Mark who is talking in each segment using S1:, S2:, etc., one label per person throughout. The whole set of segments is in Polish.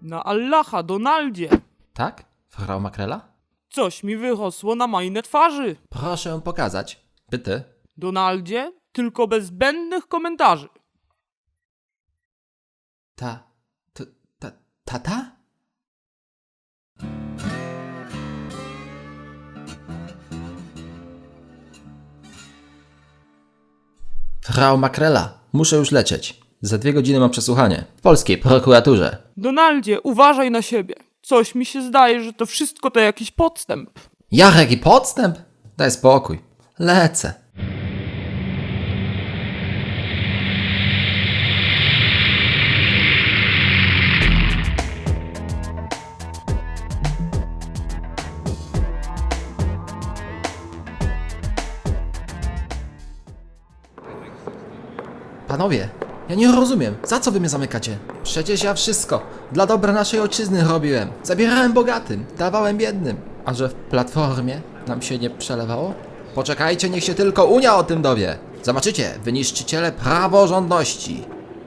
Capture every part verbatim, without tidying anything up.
S1: Na Allaha, Donaldzie!
S2: Tak? Frau Makrela?
S1: Coś mi wychosło na majne twarzy.
S2: Proszę pokazać. Bitte.
S1: Donaldzie, tylko bez zbędnych komentarzy.
S2: Ta... ta... ta... tata? Frau Makrela, muszę już lecieć. Za dwie godziny mam przesłuchanie. W polskiej prokuraturze.
S1: Donaldzie, uważaj na siebie. Coś mi się zdaje, że to wszystko to jakiś podstęp.
S2: Jarek i podstęp? Daj spokój. Lecę. Panowie, ja nie rozumiem, za co wy mnie zamykacie? Przecież ja wszystko dla dobra naszej ojczyzny robiłem. Zabierałem bogatym, dawałem biednym. A że w Platformie nam się nie przelewało? Poczekajcie, niech się tylko Unia o tym dowie. Zobaczycie, wy niszczyciele praworządności.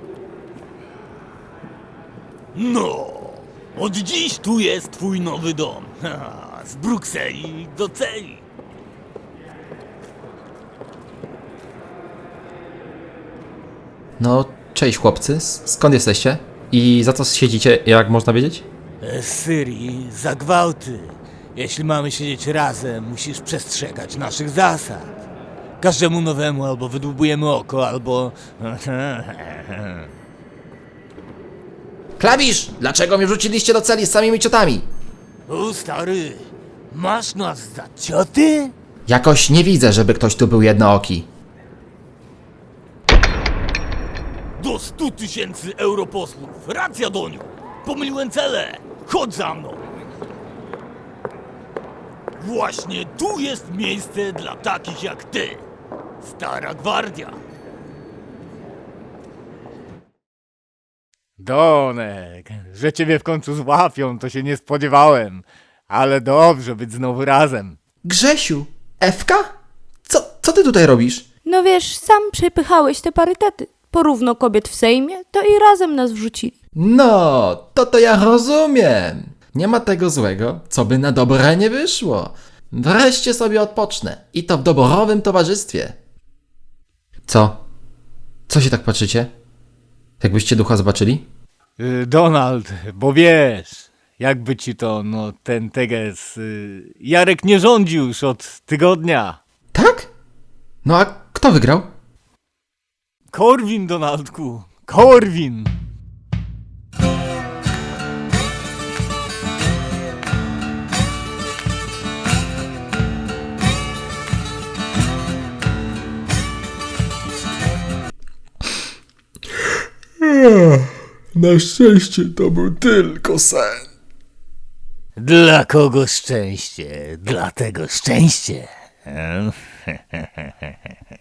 S3: No, od dziś tu jest twój nowy dom. Ha, z Brukseli do celi.
S2: No, cześć chłopcy, S- skąd jesteście? I za co siedzicie, jak można wiedzieć?
S3: Z Syrii za gwałty. Jeśli mamy siedzieć razem, musisz przestrzegać naszych zasad. Każdemu nowemu albo wydłubujemy oko, albo...
S2: Klawisz! Dlaczego mnie wrzuciliście do celi z samymi ciotami?
S3: O stary, masz nas za cioty?
S2: Jakoś nie widzę, żeby ktoś tu był jednooki.
S3: Do stu tysięcy europosłów. Racja, Doniu. Pomyliłem cele. Chodź za mną. Właśnie tu jest miejsce dla takich jak ty. Stara gwardia.
S4: Donek, że ciebie w końcu złapią, to się nie spodziewałem. Ale dobrze być znowu razem.
S2: Grzesiu! Ewka? Co, co ty tutaj robisz?
S5: No wiesz, sam przepychałeś te parytety. Porówno kobiet w Sejmie, to i razem nas wrzucili.
S2: No, to to ja rozumiem. Nie ma tego złego, co by na dobre nie wyszło. Wreszcie sobie odpocznę. I to w doborowym towarzystwie. Co? Co się tak patrzycie? Jakbyście ducha zobaczyli?
S4: Y, Donald, bo wiesz, jakby ci to, no ten teges, y, Jarek nie rządzi już od tygodnia.
S2: Tak? No a kto wygrał?
S4: Korwin, Donaldku, Korwin!
S2: Na szczęście to był tylko sen.
S3: Dla kogo szczęście? Dlatego szczęście.